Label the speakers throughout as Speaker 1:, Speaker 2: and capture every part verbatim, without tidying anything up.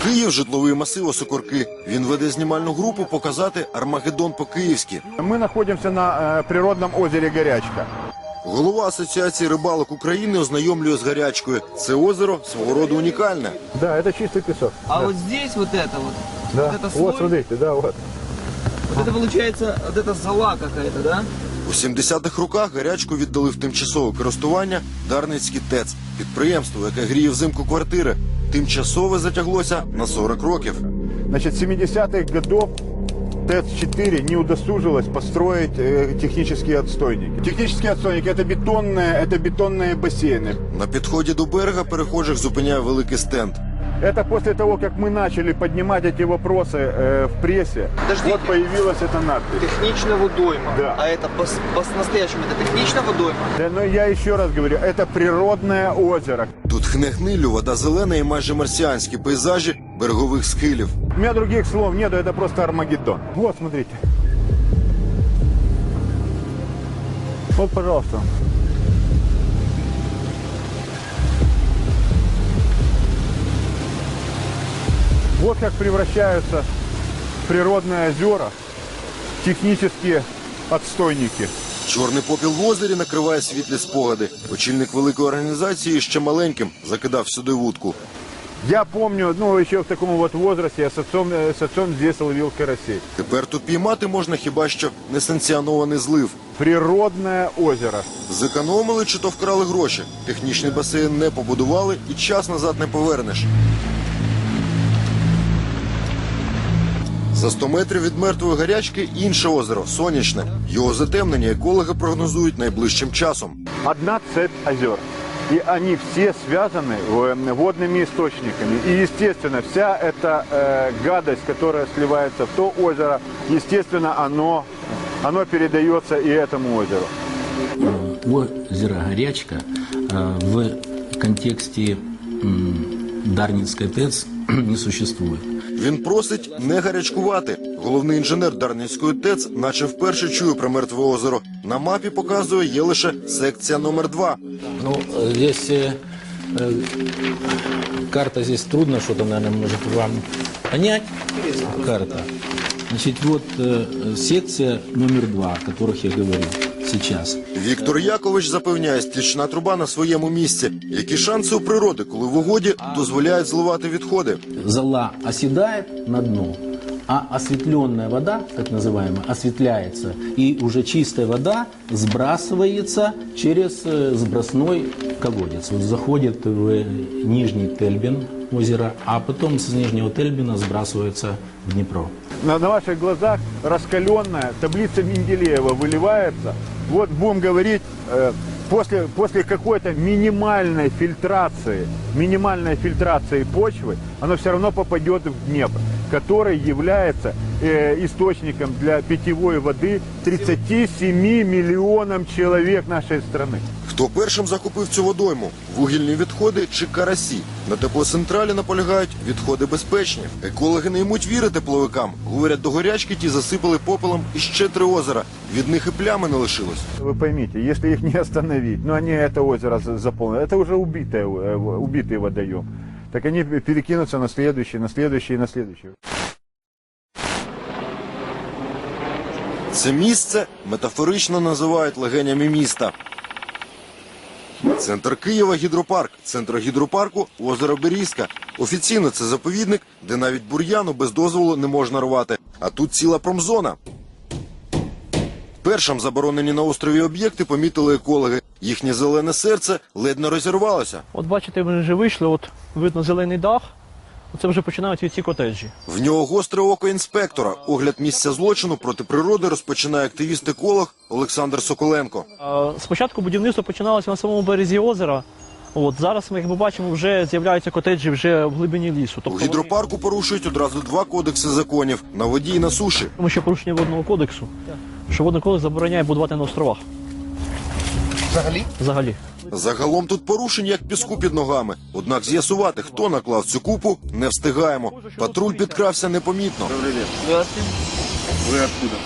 Speaker 1: Київ – житловий масив Осокорки. Він веде знімальну групу показати Армагеддон по-київськи.
Speaker 2: Ми знаходимося на природному озері Гарячка.
Speaker 1: Голова Асоціації рибалок України ознайомлює з Гарячкою. Це озеро свого роду унікальне.
Speaker 2: Да, це чистий пісок.
Speaker 3: А
Speaker 2: да.
Speaker 3: вот здесь вот это вот,
Speaker 2: Да.
Speaker 3: вот это слой,
Speaker 2: Вот, смотрите, да, вот.
Speaker 3: вот это получается, вот это зола какая-то, да?
Speaker 1: У сімдесятих роках Гарячку віддали в тимчасове користування Дарницький ТЕЦ. Підприємство, яке гріє взимку квартири. Тимчасове затяглося на сорок років.
Speaker 2: Значит, с семидесятых годов ТЭЦ четыре не удосужилась построить э, технические отстойники. Технические отстойники – это бетонные, это бетонные бассейны.
Speaker 1: На підході до берега перехожих зупиняє великий стенд.
Speaker 2: Это после того, как мы начали поднимать эти вопросы э, в прессе,
Speaker 3: Подождите.
Speaker 2: вот появилась эта надпись.
Speaker 3: Технично водойма.
Speaker 2: Да.
Speaker 3: А это по- по-настоящему, это технично водойма?
Speaker 2: Да, но я еще раз говорю, это природное озеро.
Speaker 1: Тут хне-гнилю, вода зелена і майже марсіанські пейзажі берегових схилів.
Speaker 2: У меня других слов нету, это просто Армагеддон. Вот, смотрите. Вот, пожалуйста. Вот как превращаются природные озера в технические отстойники.
Speaker 1: Чорний попіл в озері накриває світлі спогади. Очільник великої організації ще маленьким закидав сюди вудку.
Speaker 2: Я помню, ну, еще в таком вот возрасте я с отцом, э, с отцом здесь ловил карасей.
Speaker 1: Тепер тут піймати можна хіба що несанкціонований злив.
Speaker 2: Природное озеро.
Speaker 1: Зекономили чи то вкрали гроші. Технічний басейн не побудували і час назад не повернеш. За сто метрів від мертвої Гарячки інше озеро – Сонячне. Його затемнення екологи прогнозують найближчим часом.
Speaker 2: Одна цепь озер. И они все связаны э, водными источниками. И, естественно, вся эта э, гадость, которая сливается в то озеро, естественно, оно, оно передается и этому озеру.
Speaker 4: Озеро Горячка э, в контексте м, Дарницкой ТЭЦ не существует.
Speaker 1: Він просить не гарячкувати. Головний інженер Дарницької ТЕЦ наче вперше чує про мертве озеро. На мапі показує, є лише секція номер два.
Speaker 4: Ну, здесь э, э, карта, здесь трудно что-то, наверное, может вам понять. Карта. Значит, вот э, секция номер два, о которых я говорил сейчас.
Speaker 1: Віктор Якович запевняє, стічна труба на своєму місці. Які шанси у природи, коли в угоді дозволяють зливати відходи?
Speaker 4: Зола оседает на дно, а осветленная вода, так называемая, осветляется, и уже чистая вода сбрасывается через э, сбросной колодец. Вот заходит в Нижний Тельбин озеро, а потом с Нижнего Тельбина сбрасывается в Днепро.
Speaker 2: На, на ваших глазах раскаленная таблица Менделеева выливается. Вот будем говорить, э, после, после какой-то минимальной фильтрации, минимальной фильтрации почвы, оно все равно попадет в Днепр, который является э, источником для питьевой воды тридцати семи миллионам человек нашей страны.
Speaker 1: Хто першим закупив цю водойму? Вугільні відходи чи карасі? На теплоцентралі наполягають, відходи безпечні. Екологи не ймуть віри тепловикам. Говорять, до Горячки ті засипали попелом іще три озера. Від них і плями не лишилось.
Speaker 2: Вы поймите, если их не остановить, ну они это озеро за- заполнят, это уже убитое, э, убитый водоем, так они перекинутся на следующий, на следующий, на следующий.
Speaker 1: Це місце метафорично називають легенями міста. Центр Києва – гідропарк. Центр гідропарку – озеро Берізка. Офіційно це заповідник, де навіть бур'яну без дозволу не можна рвати. А тут ціла промзона. Першим заборонені на острові об'єкти помітили екологи. Їхнє зелене серце ледь не розірвалося.
Speaker 5: От бачите, ми вже вийшли, от видно зелений дах, оце вже починають ці котеджі.
Speaker 1: В нього гостре око інспектора. Огляд місця злочину проти природи розпочинає активіст-еколог Олександр Соколенко.
Speaker 5: А, Спочатку будівництво починалося на самому березі озера, от, зараз ми, як ми бачимо, вже з'являються котеджі вже в глибині лісу.
Speaker 1: У
Speaker 5: Тобто,
Speaker 1: гідропарку порушують одразу два кодекси законів – на воді і на суші.
Speaker 5: тому що порушення водного кодексу, що водний кодекс забороняє будувати на островах.
Speaker 3: Взагалі?
Speaker 5: Взагалі.
Speaker 1: Загалом тут порушень як піску під ногами. Однак з'ясувати, хто наклав цю купу, не встигаємо. Патруль підкрався непомітно.
Speaker 3: Здравствуйте.
Speaker 2: Вы откуда?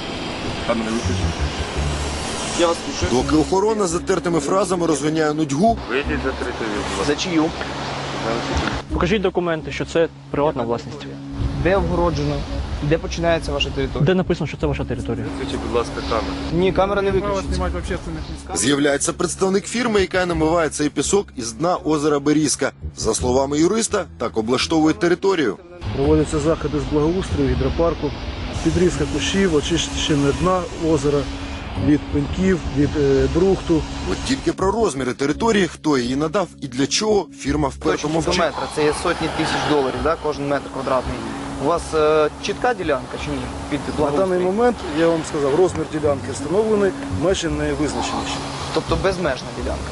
Speaker 3: Я вас слушаю.
Speaker 1: Доки охорона з затертими фразами розганяє нудьгу,
Speaker 3: За чию?
Speaker 5: Покажіть документи, що це приватна власність.
Speaker 3: Де обгороджено? Де починається ваша територія?
Speaker 5: Де написано, що це ваша територія?
Speaker 3: Ні, камера не виключиться.
Speaker 1: З'являється представник фірми, яка намиває цей пісок із дна озера Берізка. За словами юриста, так облаштовують територію.
Speaker 6: Проводяться заходи з благоустрою гідропарку, підрізка кущів, очищення дна озера від пеньків, від е, брухту.
Speaker 1: От тільки про розміри території, хто її надав і для чого, фірма вперто
Speaker 3: Точно до
Speaker 1: мовчить.
Speaker 3: метра, це є сотні тисяч доларів, да, кожен метр квадратний. У вас е, чітка ділянка чи ні? Під
Speaker 6: На
Speaker 3: благоустрій?
Speaker 6: даний момент, я вам сказав, розмір ділянки встановлений, межі не визначені ще.
Speaker 3: Тобто безмежна ділянка.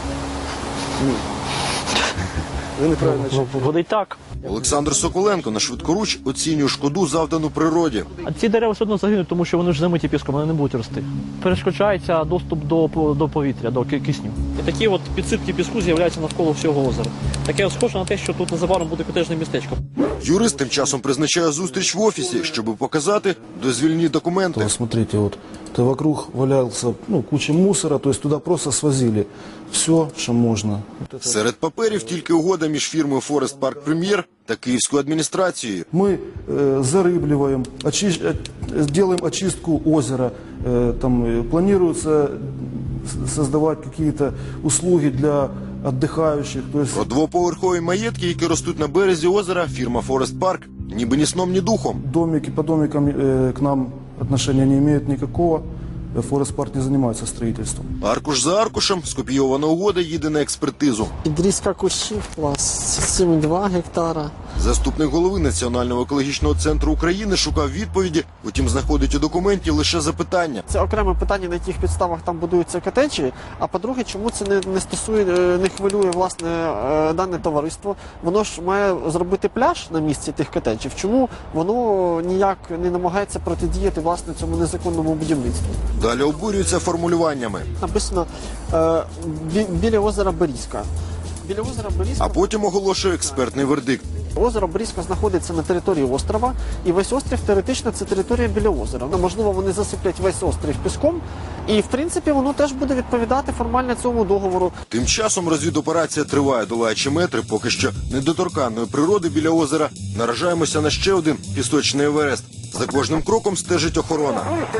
Speaker 6: Ви неправильно
Speaker 5: Ну,
Speaker 6: чуєте.
Speaker 5: виходить так.
Speaker 1: Олександр Соколенко на швидкоруч оцінює шкоду, завдану природі.
Speaker 5: А ці дерева все одно загинуть, тому що вони ж замиті піском, вони не будуть рости. Перешкоджається доступ до, до повітря, до ки- кисню. І такі от підсипки піску з'являються навколо всього озера. Таке схоже на те, що тут незабаром буде котежне містечко.
Speaker 1: Юрист тим часом призначає зустріч в офісі, щоб показати дозвільні документи.
Speaker 6: Вот смотрите, вот это вокруг валялся ну, куча мусора, то есть туда просто свозили все, что можно. Вот это.
Speaker 1: Серед паперів тільки угода між фірмою Форест Парк Прем'єр та київською адміністрацією.
Speaker 6: Мы э, зарыбливаем, очи- э, делаем очистку озера, э, там э, планируется с- создавать какие-то услуги для отдыхающих. То есть
Speaker 1: Про двоповерхові маєтки, які ростуть на березі озера, фірма Форест Парк ніби ні сном, ні духом.
Speaker 6: домики по домикам э, к нам отношения не имеют никакого. Э, Форест Парк не занимается строительством.
Speaker 1: Аркуш за аркушем скопійована угода їде на експертизу.
Speaker 7: Підрізка кущів у вас сім цілих два гектара.
Speaker 1: Заступник голови Національного екологічного центру України шукав відповіді, утім знаходить у документі лише запитання.
Speaker 7: Це окреме питання, на яких підставах там будуються котеджі. А по-друге, чому це не, не стосує, е, не хвилює власне е, дане товариство? Воно ж має зробити пляж на місці тих котеджів. Чому воно ніяк не намагається протидіяти власне цьому незаконному будівництву?
Speaker 1: Далі обурюються формулюваннями,
Speaker 7: Написано е, бі, біля озера Берізка. Біля озера Берізка.
Speaker 1: а потім оголошує експертний вердикт.
Speaker 7: Озеро Берізка знаходиться на території острова, і весь острів теоретично це територія біля озера. Ну, можливо, вони засиплять весь острів піском, і в принципі воно теж буде відповідати формально цьому договору.
Speaker 1: Тим часом розвідоперація триває, долаючи метри поки що недоторканної природи біля озера. Наражаємося на ще один пісочний Еверест. За кожним кроком стежить охорона.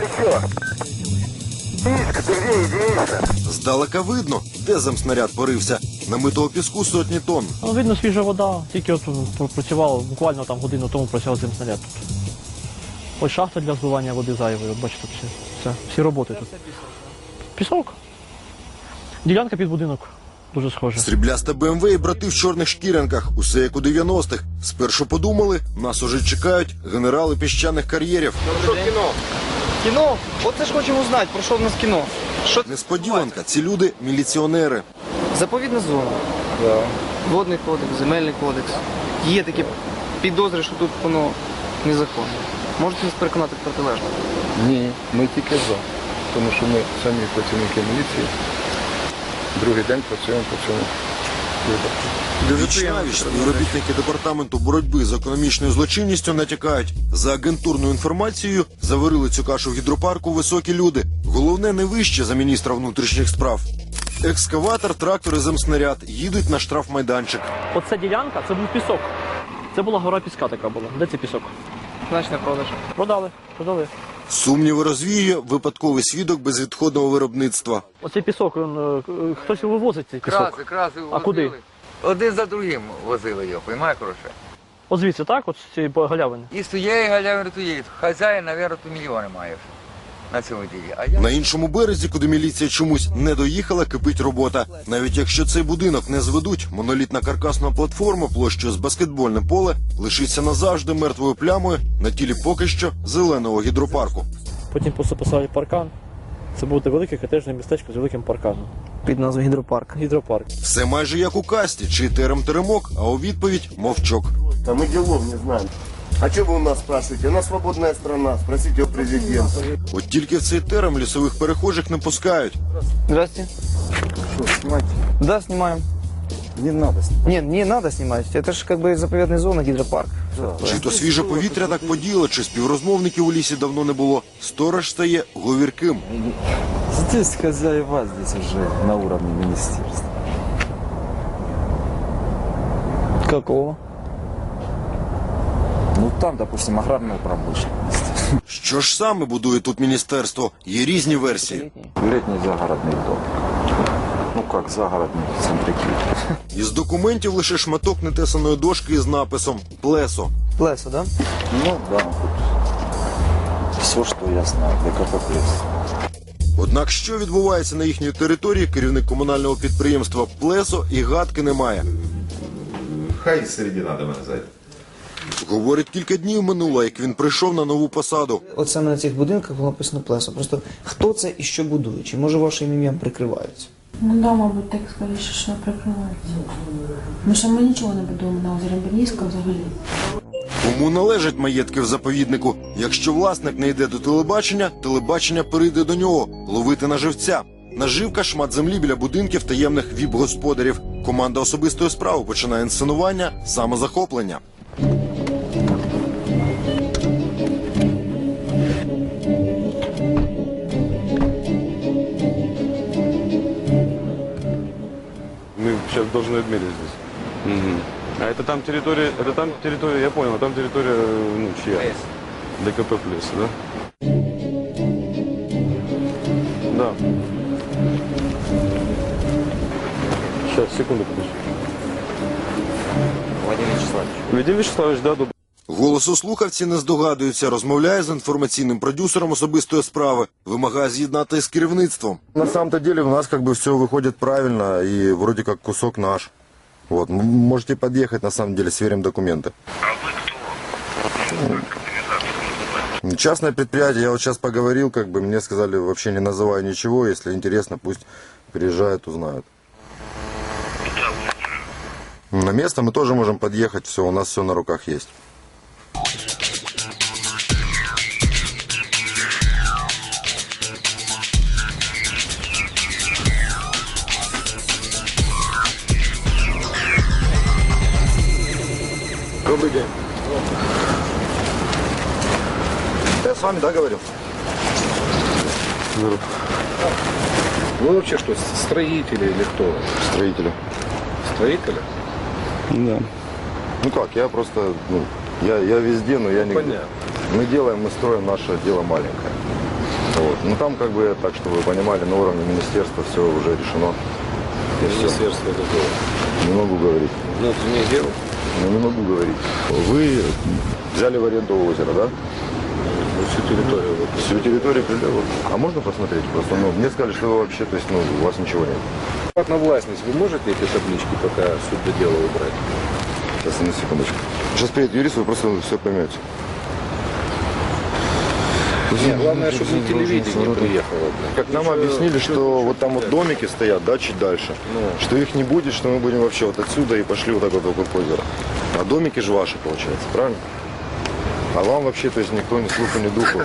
Speaker 1: Здалека видно, де земснаряд порився. Намитого піску сотні тонн.
Speaker 5: Ну, видно, свіжа вода, тільки от м, працювало, буквально там годину тому працював цим снаряд тут. Ось шахта для збивання води зайвої, от бачите, все, все, всі роботи тут. Пісок. Ділянка під будинок. Дуже схоже.
Speaker 1: Срібляста БМВ і брати в чорних шкірянках. Усе як у дев'яностих. Спершу подумали, нас уже чекають генерали піщаних кар'єрів.
Speaker 3: Кіно? От це ж хочемо знати, про що в нас кіно. Що
Speaker 1: Несподіванка, ці люди міліціонери.
Speaker 3: Заповідна зона. Водний кодекс, земельний кодекс. Є такі підозри, що тут воно незаконне. Можете нас переконати в протилежне?
Speaker 8: Ні, ми тільки за. Тому що ми самі працівники міліції. Другий день працюємо по цьому випадку.
Speaker 1: Віч навіч співробітники департаменту боротьби з економічною злочинністю натякають. За агентурною інформацією заварили цю кашу в гідропарку високі люди. Головне не вище за міністра внутрішніх справ. Екскаватор, трактор і земснаряд їдуть на штрафмайданчик.
Speaker 5: Оця ділянка, це був пісок. Це була гора піска така була. Де цей пісок?
Speaker 3: Значить, не продаж.
Speaker 5: Продали, продали.
Speaker 1: Сумніви розвіює випадковий свідок безвідходного виробництва.
Speaker 5: Оцей пісок, він, е, е, хтось вивозить цей пісок.
Speaker 9: Краси, краси возили.
Speaker 5: А куди?
Speaker 9: Один за другим возили його, розумієш, хороше?
Speaker 5: От звідси, так? От з цієї галявини.
Speaker 9: І з тієї галявини туєї. Хазяїн, мабуть, то мільйони має на цьому ділі. А я...
Speaker 1: На іншому березі, куди міліція чомусь не доїхала, кипить робота. Навіть якщо цей будинок не зведуть, монолітна каркасна платформа площею з баскетбольне поле лишиться назавжди мертвою плямою на тілі поки що зеленого гідропарку.
Speaker 5: Потім просто поставили паркан. Це буде велике котежне містечко з великим парканом.
Speaker 3: Під назвою гідропарк.
Speaker 5: Гідропарк.
Speaker 1: Все майже як у касті, чий терем теремок, а у відповідь мовчок.
Speaker 10: Да мы делов не знаем. А что вы у нас спрашиваете? У нас свободная страна, спросите у президента.
Speaker 1: От тільки в цей терем лісових перехожих не пускають.
Speaker 3: Здрасте.
Speaker 10: Что, снимайте?
Speaker 3: Да, снимаем.
Speaker 10: Не надо снимать.
Speaker 3: Нет, не надо снимать. Это же как бы заповедная зона, гидропарк.
Speaker 1: Чи то свіже повітря так подіяло, чи співрозмовників у лісі давно не було. Сторож стає говірким.
Speaker 11: Здесь хозяева, здесь уже на уровне министерства.
Speaker 3: Какого?
Speaker 11: Ну там, допустим, аграрную промышленность.
Speaker 1: Що ж саме будує тут міністерство? Є різні версії.
Speaker 11: Летний загородный дом. Ну как загородный, в центре Киева.
Speaker 1: Із документів лише шматок нетесаної дошки із написом «Плесо».
Speaker 3: Плесо, да?
Speaker 11: Ну да, тут все, что я знаю, ДКП плюс.
Speaker 1: Однак що відбувається на їхній території, керівник комунального підприємства «Плесо» і гадки не має.
Speaker 12: Хай середина до мене зайде.
Speaker 1: Говорить, кілька днів минуло, як він прийшов на нову посаду.
Speaker 13: От саме на цих будинках було написано Плесо. Просто хто це і що будує? Чи може вашим ім'ям прикриваються?
Speaker 14: Ну да, мабуть, так скоріше, що прикривається. Тому що ми нічого не будуємо на озері Бернійська взагалі.
Speaker 1: Кому належать маєтки в заповіднику? Якщо власник не йде до телебачення, телебачення перейде до нього ловити на живця. Наживка – шмат землі біля будинків таємних віп-господарів. Команда особистої справи починає інсценування самозахоплення.
Speaker 15: Мы сейчас должны отмерить здесь. Угу. А это там территория, это там территория, я понял, там территория, ну, чья? ДКП плюс, да? Да. Сейчас, секунду, подожди.
Speaker 11: Владимир Вячеславович.
Speaker 15: Владимир Вячеславович, да, добрый.
Speaker 1: Голосослухавці не здогадуються, розмовляє з інформаційним продюсером особистої справи, вимагає з'єднати з керівництвом.
Speaker 12: На самом-то деле у нас как бы все выходит правильно и вроде как кусок наш. Вот, м- можете подъехать, на самом деле, сверим документы. А вы кто? Частное предприятие, я вот сейчас поговорил, как бы мне сказали, вообще не называя ничего, если интересно, пусть приезжают, узнают. На место мы тоже можем подъехать, все, у нас все на руках есть.
Speaker 1: Добрый день.
Speaker 12: Я с вами, да, говорил?
Speaker 8: Вы вообще что, строители или кто?
Speaker 12: Строители.
Speaker 8: Строители?
Speaker 15: Да.
Speaker 12: Ну как, я просто, ну, я, я везде, но я не...
Speaker 8: Понятно.
Speaker 12: Мы делаем, мы строим наше дело маленькое. Вот. Ну там как бы, так что вы понимали, на уровне министерства все уже решено. И всё.
Speaker 8: Министерство какого?
Speaker 12: Не могу говорить.
Speaker 8: Внутренних дел?
Speaker 12: Ну, не могу говорить. Вы взяли в аренду озеро, да?
Speaker 8: Всю территорию. Вот.
Speaker 12: Всю территорию прилива. А можно посмотреть? Просто, ну, мне сказали, что вы вообще, то есть, ну, у вас ничего нет.
Speaker 8: Приватная властность, вы можете эти таблички пока суд до дела убрать?
Speaker 12: Сейчас, на секундочку. Сейчас приедет юрист, вы просто все поймете.
Speaker 8: Нет, главное, чтобы не телевидение приехало.
Speaker 12: Как нам объяснили, что вот там вот домики стоят, да, чуть дальше, что их не будет, что мы будем вообще вот отсюда и пошли вот так вот вокруг озера. А домики же ваши, получается, правильно? А вам вообще, то есть, никто ни слуху, ни духу.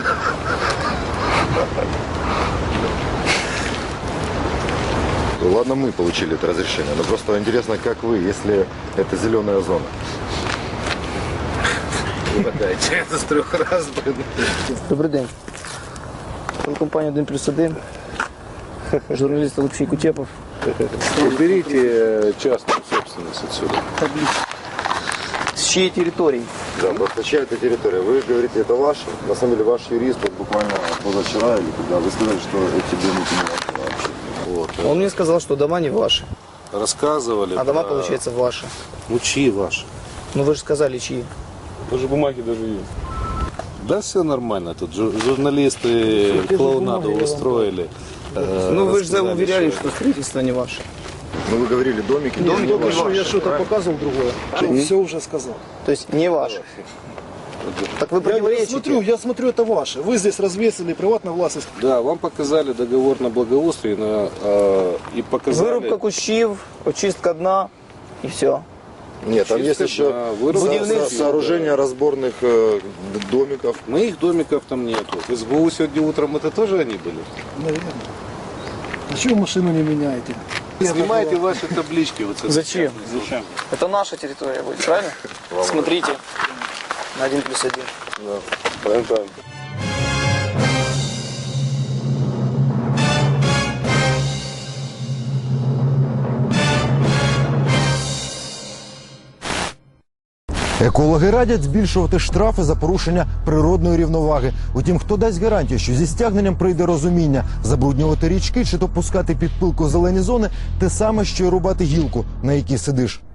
Speaker 12: Ладно, мы получили это разрешение, но просто интересно, как вы, если это зеленая зона.
Speaker 8: Угадайте, это с трех раз, блин.
Speaker 3: Добрий день. Телекомпанія один плюс один. Журналіст Олексій Кутєпов.
Speaker 8: Уберите частную собственность отсюда.
Speaker 3: С чьей территории?
Speaker 12: Да, просто чья это территория? Вы говорите, это ваше. На самом деле ваш юрист вот буквально позавчера или когда вы сказали, что эти домики не ваши вообще.
Speaker 8: Вот.
Speaker 3: Он мне сказал, что дома не ваши.
Speaker 8: Рассказывали.
Speaker 3: А дома,
Speaker 8: про-
Speaker 3: получается, ваши.
Speaker 8: Ну, чьи ваши?
Speaker 3: Ну вы же сказали, чьи.
Speaker 15: Даже бумаги даже есть.
Speaker 8: Да все нормально. Тут жу- журналисты клоунаду устроили. Э,
Speaker 3: Ну вы же
Speaker 8: рассказали,
Speaker 3: уверяли, что строительство не ваше.
Speaker 12: Ну вы говорили, домики не
Speaker 3: Домики
Speaker 12: ваши.
Speaker 3: ваши.
Speaker 7: Я что-то показывал другое. Все уже сказал.
Speaker 3: То есть не ваше. Так вы
Speaker 7: Я, я
Speaker 3: противоречите.
Speaker 7: смотрю, я смотрю, это ваше. Вы здесь развесили, приватная властность.
Speaker 8: Да, вам показали договор на благоустрие на, э, и показали...
Speaker 3: Вирубка кущів, очистка дна і все.
Speaker 12: Нет, там есть
Speaker 8: Чистка,
Speaker 12: еще
Speaker 8: да, вырубка,
Speaker 12: со- со- сооружение разборных э, домиков.
Speaker 8: Моих домиков там нету. В СБУ сегодня утром это тоже они были?
Speaker 7: Наверное. А чего вы машину не меняете?
Speaker 8: Снимайте ваши таблички. Вот с этой
Speaker 3: Зачем?
Speaker 8: частной зоны.
Speaker 3: Это наша территория будет, правильно? Смотрите. На один плюс один.
Speaker 8: Правильно.
Speaker 1: Екологи радять збільшувати штрафи за порушення природної рівноваги. Утім, хто дасть гарантію, що зі стягненням прийде розуміння, забруднювати річки чи то пускати під пилку зелені зони – те саме, що й рубати гілку, на якій сидиш.